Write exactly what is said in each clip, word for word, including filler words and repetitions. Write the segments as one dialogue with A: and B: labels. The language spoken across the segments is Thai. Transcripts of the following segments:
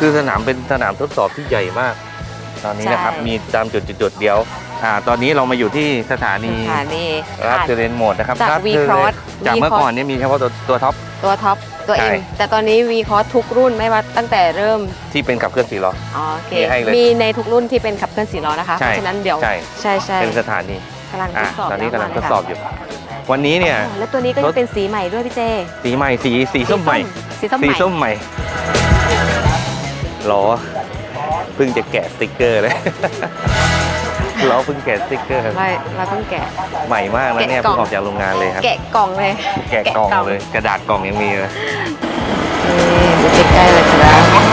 A: คือสนามเป็นสนามทดสอบที่ใหญ่มากตอนนี้นะครับมีตามจุดๆเดียวอ่าตอนนี้เรามาอยู่ที่สถานี
B: สถานี
A: รับเทเลนโหมดนะครับ
B: จาก V Cross
A: จากเมื่อก่อนเนี่ยมีเฉพาะตัวตัวท็อป
B: ตัวท็อปตัว
A: ใช่
B: M แต่ตอนนี้ V Cross ทุกรุ่นไม่ว่าตั้งแต่เริ่ม
A: ที่เป็นขับเคลื่อนสี่ล้อ
B: อ๋อโอเค
A: มีให้เลย
B: มีในทุกรุ่นที่เป็นขับเคลื่อนสี่ล้อนะคะ
A: ใช่
B: เพราะฉะนั้นเดี๋ยว
A: ใช่
B: ใช่ใช่
A: เป็นสถานี
B: กำลังท
A: อ่า
B: ดสอบ
A: ตอนนี้กำลังทด
B: แล้ว
A: สอบอยู่ วันนี้เนี่ย
B: อ๋อแล้วตัวนี้ก็จะเป็นสีใหม่ด้วยพี่เจ
A: สีใหม่สีสีส้มใหม่
B: สีส้ม
A: สี
B: ใหม่
A: ส้มใหม่ล้อเพิ่งจะแกะสติ๊กเกอร์เลย ล้อเพิ่งแกะสติ๊กเกอร์
B: ไม่เราต้องแกะ
A: ใหม่มากนะเนี่ย
B: แกะกล่
A: เพิ่
B: อง
A: งออกจากโรงงานเลยครับ
B: แกะกล่องเลย
A: แกะกล่องเลยกระดาษกล่องยังมีเลย
B: นี่ดูใกล้ๆเลยครับ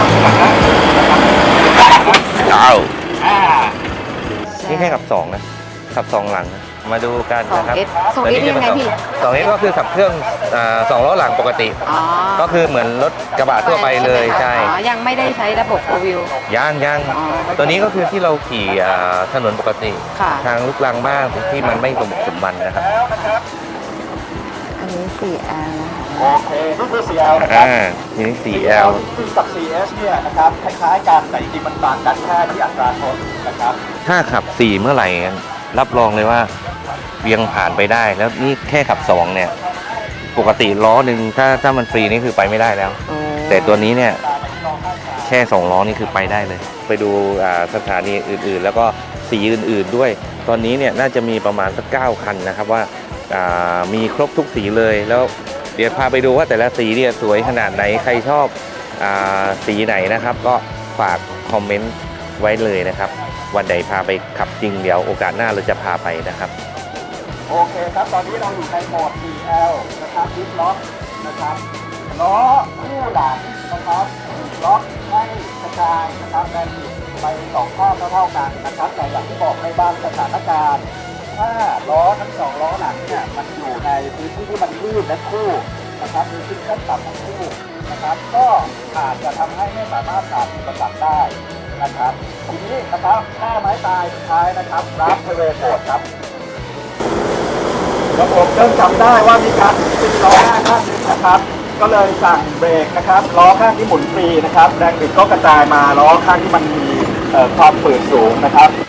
A: อ้าวนี่แค่ขับสองนะขับสองหลังนะมาดูกัน
B: สอง
A: นะครับ
B: เอสสองเอสยังไงพี่
A: สองเอสก็คือขับเครื่องอ่าสองล้อหลังปกติ
B: อ๋อ
A: ก็คือเหมือนรถกระบะทั่วไปเลยใช่
B: อ๋อยังไม่ได้ใช้ระบบโฟร์วิว
A: ย่างย่าง
B: อ๋อ
A: ตัวนี้ก็คือที่เราขี่อ่าถนนปกติ
B: ค่ะ
A: ทางลูกรังบ้างที่มันไม่สมบุกสมบันนะครับ
B: อันนี้ สี่แอล
C: โอเคนี่คือ ซี แอล นะครับ
A: อ่าทีนี้ สี่แอล
C: ซึ่งกับ ซี เอส เนี่ยนะครับคล้ายๆกันแต่จริงๆมันต่างกันแค่ที่อัตราโทนนะครับ
A: ถ้าขับสี่เมื่อไหร่รับรองเลยว่าเวียงผ่านไปได้ แล้วนี่แค่ขับสองเนี่ยปกติล้อหนึ่งถ้าถ้ามันฟรีนี่คือไปไม่ได้แล้ว แต่ตัวนี้เนี่ยแค่สองล้อนี่คือไปได้เลย ไปดูอ่าสถานีอื่นๆ แล้วก็สีอื่นๆด้วย ตอนนี้เนี่ยน่าจะมีประมาณสักเก้าคันนะครับว่าอ่ามีครบทุกสีเลยแล้วเดี๋ยวพาไปดูว่าแต่ละสีเนี่ยสวยขนาดไหนใครชอบอาสีไหนนะครับ ก็ฝากคอมเมนต์ไว้เลยนะครับ วันใดพาไปขับจริงเดี๋ยวโอกาสหน้าเราจะพาไปนะครับ
C: โอเคครับตอนนี้เราอยู่ในโหมด ซี แอล นะครับดิฟล็อกนะครับล้อคู่หลังนะครับล็อกให้กระจายนะครับแรงบิดไปสองข้างเท่าๆกันนะครับแต่อย่างที่บอกในบางสถานการณ์ถ้าล้อทั้งสองล้อหลังเนี่ยมันอยู่ในพื้นที่ที่มันลื่นและคู่นะครับมีขึ้นขั้นต่ำทั้งคู่นะครับก็อาจจะทำให้ไม่สามารถผ่านอุปสรรคได้นะครับทีนี้นะครับหน้าไม้ตายสุดท้ายนะครับรับเทเรโหมดครับระบบเริ่มจำได้ว่ามีการตีล้อหน้าข้างนึงนะครับก็เลยสั่งเบรกนะครับล้อข้างที่หมุนฟรีนะครับแรงบิดก็กระจายมาล้อข้างที่มันมีเอ่อความฝืดสูงนะครับ